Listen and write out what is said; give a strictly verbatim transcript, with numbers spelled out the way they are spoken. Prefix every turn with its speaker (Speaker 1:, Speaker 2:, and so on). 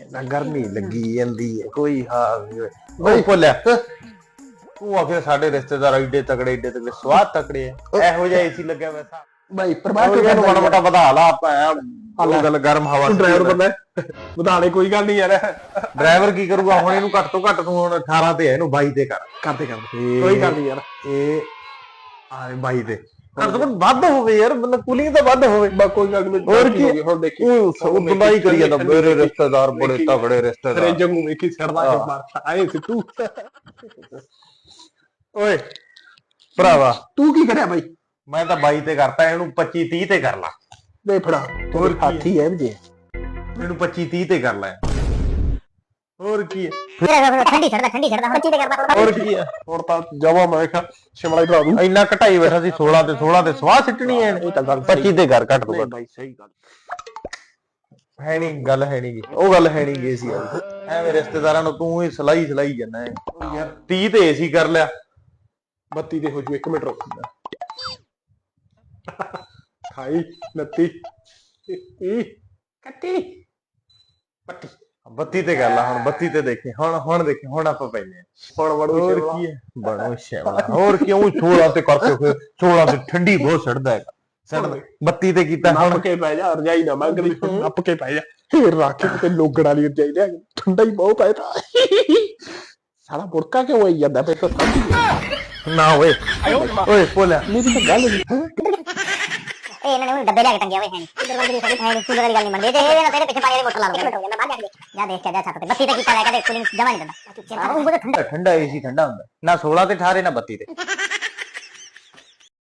Speaker 1: ना गर्मी लगी जाती है कोई हाल नहीं भुलिया तू आखिर साडे रिश्तेदार एडे तगड़े एडे तगड़े स्वाद तगड़े है एहो जिहा एसी लग्या वैसा
Speaker 2: भाई प्रभाव
Speaker 1: तो माड़ा मोटा ਵਧਾ ਲਾ ਉਹ ਗੱਲ ਗਰਮ ਹਵਾ
Speaker 2: ਡਰਾਈਵਰ ਬੰਦਾ ਵਧਾਣੇ ਕੋਈ ਗੱਲ ਨਹੀਂ ਯਾਰ
Speaker 1: ਡਰਾਈਵਰ ਕੀ ਕਰੂਗਾ ਹੁਣ ਇਹਨੂੰ ਘੱਟ ਤੋਂ ਘੱਟ ਤੂੰ ਹੁਣ ਅਠਾਰਾਂ ਤੇ ਹੈ ਇਹਨੂੰ ਬਾਈ ਤੇ ਕਰ
Speaker 2: ਕਰਦੇ ਕਰਦੇ ਕੋਈ ਗੱਲ ਨਹੀਂ ਯਾਰ
Speaker 1: ਇਹ ਆ ਬਾਈ ਤੇ ਘੱਟ ਤੋਂ ਘੱਟ ਵੱਧ ਹੋਵੇ ਯਾਰ ਮਤਲਬ ਕੂਲਿੰਗ ਤਾਂ ਵੱਧ ਹੋਵੇ
Speaker 2: ਬਾ ਕੋਈ ਗੱਲ ਨਹੀਂ
Speaker 1: ਹੋਰ ਕੀ
Speaker 2: ਹੁਣ ਦੇਖੀ
Speaker 1: ਉਹ ਬੁਲਾਈ ਕਰੀ ਜਾਂਦਾ ਮੇਰੇ ਰਿਸ਼ਤੇਦਾਰ ਬੜੇ ਤਗੜੇ ਰਿਸ਼ਤੇਦਾਰ
Speaker 2: ਰੇ ਜੰਗੂ ਵੇਖੀ ਸਰਦਾ ਕੇ ਮਾਰਦਾ ਆਏ ਸੀ ਤੂੰ
Speaker 1: ਓਏ ਭਰਾਵਾ
Speaker 2: ਤੂੰ ਕੀ ਕਰਿਆ ਬਾਈ
Speaker 1: ਮੈਂ ਤਾਂ ਬਾਈ ਤੇ ਕਰਤਾ ਇਹਨੂੰ ਪੱਚੀ ਤੀਹ ਤੇ ਕਰ ਲਾ
Speaker 2: ਦੇ ਫੜਾ ਹੋਰ ਹਾਥੀ ਹੈ ਜੀ
Speaker 1: ਇਹਨੂੰ ਪੱਚੀ ਤੀਹ ਤੇ ਕਰ ਲੈ ਹੋਰ ਕੀ ਹੈ
Speaker 3: ਠੰਡੀ ਛੱਡਦਾ ਠੰਡੀ ਛੱਡਦਾ ਪੱਚੀ ਤੇ ਕਰਦਾ
Speaker 1: ਹੋਰ ਕੀ ਹੈ
Speaker 2: ਹੋਰ ਤਾਂ ਜਵਾ ਮੈਂ ਕਿਹਾ ਸ਼ਿਮਲਾ ਹੀ ਭਰਾ ਦੂੰ
Speaker 1: ਇੰਨਾ ਘਟਾਈ ਬੈਠਾ ਸੀ ਸੋਲਾਂ ਤੇ ਸੋਲਾਂ ਤੇ ਸਵਾਹ ਸਿੱਟਣੀ ਐ
Speaker 2: ਇਹ ਤਾਂ ਗੱਲ
Speaker 1: ਪੱਚੀ ਤੇ ਕਰ ਘੱਟ ਤੋਂ ਘੱਟ
Speaker 2: ਬਾਈ ਸਹੀ ਗੱਲ
Speaker 1: ਹੈ ਨਹੀਂ ਗੱਲ ਹੈ ਨਹੀਂ ਗੀ ਉਹ ਗੱਲ ਹੈ ਨਹੀਂ ਗੀ ਸੀ ਐਵੇਂ ਰਿਸ਼ਤੇਦਾਰਾਂ ਨੂੰ ਤੂੰ ਹੀ ਸਲਾਈ ਸਲਾਈ ਜਾਂਦਾ ਹੈ
Speaker 2: ਯਾਰ
Speaker 1: ਤੀਹ ਤੇ ਏਸੀ ਕਰ ਲਿਆ
Speaker 2: ਬੱਤੀ ਦੇ ਹੋ ਜੂ ਇੱਕ ਮਿੰਟ ਰੁਕ ਖਾਈ ਨੱਤੀ ਈ ਕੱਟੀ ਪੱਟੀ
Speaker 1: ਬੱਤੀ ਤੇ ਕਰ ਲਾ ਹੁਣ ਬੱਤੀ ਤੇ ਦੇਖੀ ਹੁਣ ਹੁਣ ਦੇਖੀ ਹੁਣ ਆਪਾਂ ਪੈਨੇ
Speaker 2: ਹੁਣ ਵੜੂ
Speaker 1: ਹੋਰ ਕੀ ਹੈ ਬਣੋ ਸ਼ੈਵਲਾ ਹੋਰ ਕਿਉਂ ਸੋਲਾਂ ਤੇ ਕਰਕੇ ਫਿਰ ਸੋਲਾਂ ਤੇ ਠੰਡੀ ਬਹੁਤ ਛੱਡਦਾ ਹੈਗਾ ਛੱਡ ਬੱਤੀ ਤੇ ਕੀਤਾ
Speaker 2: ਨੱਪ ਕੇ ਪੈ ਜਾ ਰਜਾਈ ਨਾ ਮੰਗ ਲਈ ਨੱਪ ਕੇ ਪੈ ਜਾ ਫੇਰ ਰੱਖ ਕੇ ਤੇ ਲੋਗੜ ਵਾਲੀ ਰਜਾਈ ਲਿਆ ਠੰਡਾ ਹੀ ਬਹੁਤ ਹੈ ਤਾਂ ਸਾਲਾ ਬੁੜਕਾ ਕਿਉਂ ਆਈ ਜਾਂਦਾ ਪੇ ਤਾਂ
Speaker 1: ਨਾ ਓਏ ਓਏ ਭੋਲਿਆ
Speaker 2: ਮੇਰੀ ਤਾਂ ਗੱਲ ਨਹੀਂ
Speaker 3: ਇਹ ਇਹਨਾਂ ਨੇ ਡੱਬੇ ਲਿਆ ਕੇ ਟੰਗਿਆ ਹੋਏ ਹੈ ਨਹੀਂ ਇਧਰ ਵਾਲੀ ਦੀ ਸਾਡੀ ਹੈ ਨਹੀਂ ਕੂਲਰ ਵਾਲੀ ਗੱਲ ਨਹੀਂ ਮੰਨਦੇ ਤੇ ਇਹ ਨਾ ਤੇਰੇ ਪਿੱਛੇ ਪਾਣੀ ਦੀ ਬੋਤਲ ਲਾ ਲੂੰਗਾ ਮੈਂ ਬਾਹਰ ਜਾ ਕੇ ਜਾ ਦੇਖ ਕੇ ਜਾ ਛੱਤ ਤੇ ਬੱਤੀ ਤੇ ਕੀਤਾ ਲੈ ਕੇ ਕੂਲਿੰਗ ਜਮਾ ਨਹੀਂ ਦਿੰਦਾ ਉਹ ਬਹੁਤ ਠੰਡਾ
Speaker 1: ਠੰਡਾ ਏਸੀ ਠੰਡਾ ਹੁੰਦਾ ਨਾ ਸੋਲਾਂ ਤੇ ਅਠਾਰਾਂ ਨਾ ਬੱਤੀ ਤੇ